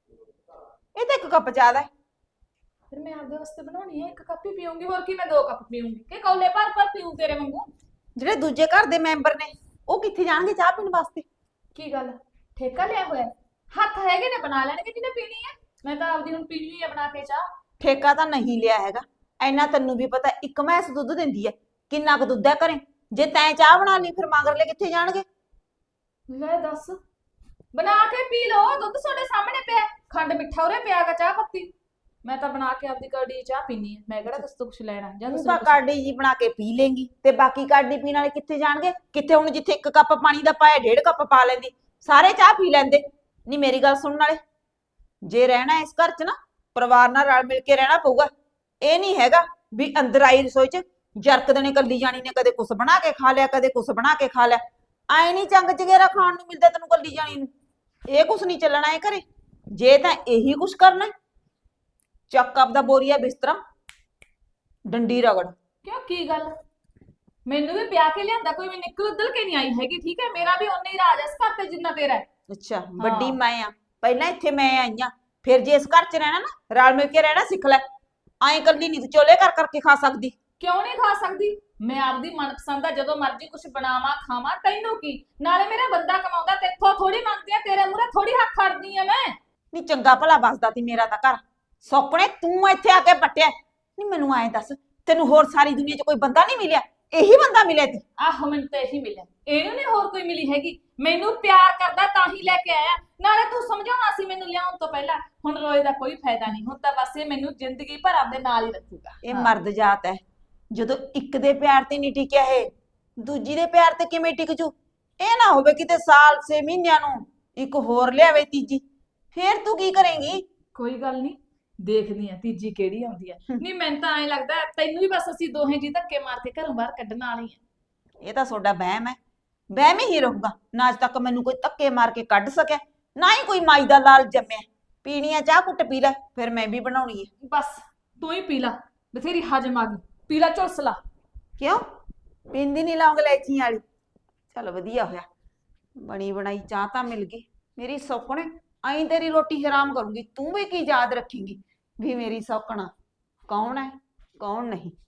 ਇਹ ਤਾਂ 1 ਕੱਪ ਜ਼ਿਆਦਾ ਹੈ।
ਫਿਰ ਮੈਂ ਆਪਦੇ ਵਾਸਤੇ ਬਣਾਉਣੀ ਆ, 1 ਕੱਪ ਹੀ ਪੀਉਂਗੀ, ਹੋਰ ਕੀ ਮੈਂ 2 ਕੱਪ ਪੀਉਂਗੀ ਕਿ ਕੌਲੇ ਭਰ ਭਰ ਪੀਉਂ ਤੇਰੇ ਵਾਂਗੂ?
ਜਿਹੜੇ ਦੂਜੇ ਘਰ ਦੇ ਮੈਂਬਰ ਨੇ ਉਹ ਕਿੱਥੇ ਜਾਣਗੇ ਚਾਹ ਪੀਣ ਵਾਸਤੇ?
ਕੀ ਗੱਲ, ਠੇਕਾ ਲਿਆ ਹੋਇਆ? ਹੱਥ ਹੈਗੇ ਨੇ, ਬਣਾ ਲੈਣਗੇ ਜਿਹਨੇ ਪੀਣੀ ਹੈ। ਮੈਂ ਤਾਂ ਆਪਦੀ ਹੁਣ ਪੀਣੀ ਆ ਬਣਾ ਕੇ ਚਾਹ।
ਠੇਕਾ ਤਾਂ ਨਹੀਂ ਲਿਆ ਹੈਗਾ, ਐਨਾ ਤੈਨੂੰ ਵੀ ਪਤਾ, 1 ਮੈਸ ਦੁੱਧ ਦਿੰਦੀ ਹੈ। ਕਿੰਨਾ ਕੁ ਦੁੱਧ ਹੈ ਘਰੇ? ਜੇ ਤੈਂ ਚਾਹ ਬਣਾ ਲਈ ਫਿਰ ਮਗਰਲੇ ਕਿੱਥੇ ਜਾਣਗੇ?
ਲੈ ਦੱਸ, ਬਣਾ ਕੇ ਪੀ ਲਓ, ਦੁੱਧ ਤੁਹਾਡੇ ਸਾਹਮਣੇ ਪਿਆ, ਖੰਡ ਮਿੱਠਾ ਉਰੇ ਪਿਆਗਾ, ਚਾਹ ਪੱਤੀ। ਮੈਂ ਤਾਂ ਬਣਾ ਕੇ ਆਪਦੀ ਕੜੀ ਚਾਹ ਪੀਣੀ ਹੈ, ਮੈਂ ਕਿਹੜਾ ਕਿਸ ਤੋਂ ਕੁਛ ਲੈਣਾ ਜਾਂ
ਤੂੰ
ਤੁਸੀਂ
ਤਾਂ ਕਾੜੀ ਜੀ ਬਣਾ ਕੇ ਪੀ ਲੇਂਗੀ ਤੇ ਬਾਕੀ ਕਾੜੀ ਪੀਣ ਵਾਲੇ ਕਿੱਥੇ ਜਾਣਗੇ? ਕਿੱਥੇ ਹੁਣ ਜਿੱਥੇ 1 ਕੱਪ ਪਾਣੀ ਦਾ ਪਾਇਆ 1.5 ਕੱਪ ਪਾ ਲੈਂਦੀ, ਸਾਰੇ ਚਾਹ ਪੀ ਲੈਂਦੇ। ਨਹੀਂ ਮੇਰੀ ਗੱਲ ਸੁਣਨ ਵਾਲੇ, ਜੇ ਰਹਿਣਾ ਇਸ ਘਰ 'ਚ ਨਾ ਪਰਿਵਾਰ ਨਾਲ ਰਲ ਮਿਲ ਕੇ ਰਹਿਣਾ ਪਊਗਾ। ਇਹ ਨਹੀਂ ਹੈਗਾ ਵੀ ਅੰਦਰ ਆਈ ਰਸੋਈ 'ਚ ਜਰਕ ਦੇਣੇ ਕੱਲੀ ਜਾਣੀ ਨੇ, ਕਦੇ ਕੁਛ ਬਣਾ ਕੇ ਖਾ ਲਿਆ, ਕਦੇ ਕੁਛ ਬਣਾ ਕੇ ਖਾ ਲਿਆ। ਐ ਨਹੀਂ ਚੰਗ ਚਗੇਰਾ ਖਾਣ ਨੂੰ ਮਿਲਦਾ ਤੈਨੂੰ ਕੱਲੀ ਜਾਣੀ ਨੂੰ। ਇਹ ਕੁਛ ਨਹੀਂ ਚੱਲਣਾ ਇਹ ਘਰੇ। ਜੇ ਤਾਂ ਇਹੀ ਕੁਛ ਕਰਨਾ, ਚੱਕ ਆਪਦਾ ਬੋਰੀਆ ਬਿਸਤਰਾ, ਡੰਡੀ ਰਗੜ।
ਕਿਉਂ, ਕੀ ਗੱਲ? ਮੈਨੂੰ ਵੀ ਪਿਆ ਕੇ ਲਿਆਂਦਾ, ਕੋਈ ਵੀ ਨਿਕਲ ਉਦਲ ਕੇ ਨਹੀਂ ਆਈ ਹੈਗੀ, ਠੀਕ ਹੈ? ਮੇਰਾ ਵੀ ਓਨਾ ਹੀ ਰਾਜ ਹੈ ਇਸ ਘਰ ਤੇ ਜਿੰਨਾ ਤੇਰਾ ਹੈ।
ਅੱਛਾ, ਵੱਡੀ ਮੈਂ ਆ, ਪਹਿਲਾਂ ਇੱਥੇ ਮੈਂ ਆਈ ਆ, ਫਿਰ ਜੇ ਇਸ ਘਰ 'ਚ ਰਹਿਣਾ ਨਾ ਰਲ ਮਿਲ ਕੇ ਰਹਿਣਾ ਸਿੱਖ ਲੈ। ਐਂ ਕੱਲੀ ਨਹੀਂ ਤੂੰ ਚੋਲੇ ਕਰ ਕਰਕੇ ਖਾ ਸਕਦੀ।
ਕਿਉਂ ਨਹੀਂ ਖਾ ਸਕਦੀ? ਮੈਂ ਆਪਦੀ ਮਨਪਸੰਦ ਦਾ ਜਦੋਂ ਮਰਜ਼ੀ ਕੁਛ ਬਣਾਵਾਂ ਖਾਵਾਂ, ਤੈਨੂੰ ਕੀ? ਨਾਲੇ ਮੇਰਾ ਬੰਦਾ ਕਮਾਉਂਦਾ, ਤੇਥੋਂ ਥੋੜੀ ਮੰਗਦੀ ਆ, ਤੇਰੇ ਮੂਹਰੇ ਥੋੜੀ ਹੱਥ ਖੜਦੀ ਆ ਮੈਂ।
ਨਹੀਂ ਚੰਗਾ ਭਲਾ ਵਸਦਾ ਤੀ ਮੇਰਾ ਤਾਂ ਘਰ, ਸੌਕਣੇ ਤੂੰ ਇੱਥੇ ਆ ਕੇ ਪੱਟਿਆ। ਨਹੀਂ ਮੈਨੂੰ ਐਂ ਦੱਸ, ਤੈਨੂੰ ਹੋਰ ਸਾਰੀ ਦੁਨੀਆ 'ਚ ਕੋਈ ਬੰਦਾ ਨਹੀਂ ਮਿਲਿਆ? ਇਹੀ ਬੰਦਾ ਮਿਲਿਆ ਤੀ?
ਆਹੋ, ਮੈਨੂੰ ਤਾਂ ਇਹੀ ਮਿਲਿਆ, ਇਹਨੂੰ ਨਹੀਂ ਹੋਰ ਕੋਈ ਮਿਲੀ ਹੈਗੀ। ਮੈਨੂੰ ਪਿਆਰ ਕਰਦਾ ਤਾਂ ਹੀ ਲੈ ਕੇ ਆਇਆ, ਨਾਲੇ ਤੂੰ ਸਮਝਾਉਣਾ ਸੀ ਮੈਨੂੰ ਲਿਆਉਣ ਤੋਂ ਪਹਿਲਾਂ। ਹੁਣ ਰੋਏ ਦਾ ਕੋਈ ਫਾਇਦਾ ਨਹੀਂ, ਹੁਣ ਤਾਂ ਬਸ ਇਹ ਮੈਨੂੰ ਜ਼ਿੰਦਗੀ ਭਰ ਆਪਦੇ ਨਾਲ ਹੀ ਰੱਖੂਗਾ।
ਇਹ ਮਰਦ ਜਾਤ ਹੈ, ਜਦੋਂ ਇੱਕ ਦੇ ਪਿਆਰ ਤੇ ਨਹੀਂ ਟਿਕਿਆ ਇਹ ਦੂਜੀ ਦੇ ਪਿਆਰ ਤੇ ਕਿਵੇਂ ਟਿਕ ਜੂ? ਇਹ ਨਾ ਹੋਵੇ ਕਿਤੇ ਸਾਲ 6 ਮਹੀਨਿਆਂ ਨੂੰ ਇੱਕ ਹੋਰ ਲਿਆਵੇ ਤੀਜੀ, ਫੇਰ ਤੂੰ ਕੀ ਕਰੇਂਗੀ?
ਕੋਈ ਗੱਲ ਨਹੀਂ, ਦੇਖਦੀ ਆ ਤੀਜੀ ਕਿਹੜੀ ਆਉਂਦੀ ਆ। ਨਹੀਂ ਮੈਨੂੰ ਤਾਂ ਐਂ ਲੱਗਦਾ ਤੈਨੂੰ ਵੀ ਬਸ ਅਸੀਂ ਦੋਹੇ ਜੀ ਧੱਕੇ ਮਾਰ ਕੇ ਘਰੋਂ ਬਾਹਰ ਕੱਢਣ ਵਾਲੀ ਆ।
ਇਹ ਤਾਂ ਤੁਹਾਡਾ ਵਹਿਮ ਹੈ, ਵਹਿਮ ਹੀ ਰਹੂਗਾ। ਨਾ ਅੱਜ ਤੱਕ ਮੈਨੂੰ ਕੋਈ ਧੱਕੇ ਮਾਰ ਕੇ ਕੱਢ ਸਕਿਆ, ਨਾ ਹੀ ਕੋਈ ਮਾਈ ਦਾ ਲਾਲ ਜੰਮਿਆ। ਪੀਣੀ ਆ ਚਾਹ ਕੁੱਟ ਪੀ ਲੈ, ਫਿਰ ਮੈਂ ਵੀ ਬਣਾਉਣੀ ਹੈ।
ਬਸ ਤੂੰ ਹੀ ਪੀ ਲਾ, ਬਥੇਰੀ ਹਜਮ ਆ ਗਈ, ਪੀ ਲਾ ਝੁਲਸ ਲਾ।
ਕਿਉਂ ਪੀਂਦੀ ਨਹੀਂ ਲੌਂਗ ਲੈਚੀ ਵਾਲੀ? ਚਲ ਵਧੀਆ ਹੋਇਆ, ਬਣੀ ਬਣਾਈ ਚਾਹ ਤਾਂ ਮਿਲ ਗਈ। ਮੇਰੀ ਸੌਕਣੇ ਆਈ ਤੇਰੀ ਰੋਟੀ ਹਰਾਮ ਕਰੂੰਗੀ। ਤੂੰ ਵੀ ਕੀ ਯਾਦ ਰੱਖੇਂਗੀ ਵੀ ਮੇਰੀ ਸੌਕਣਾ ਕੌਣ ਹੈ ਕੌਣ ਨਹੀਂ।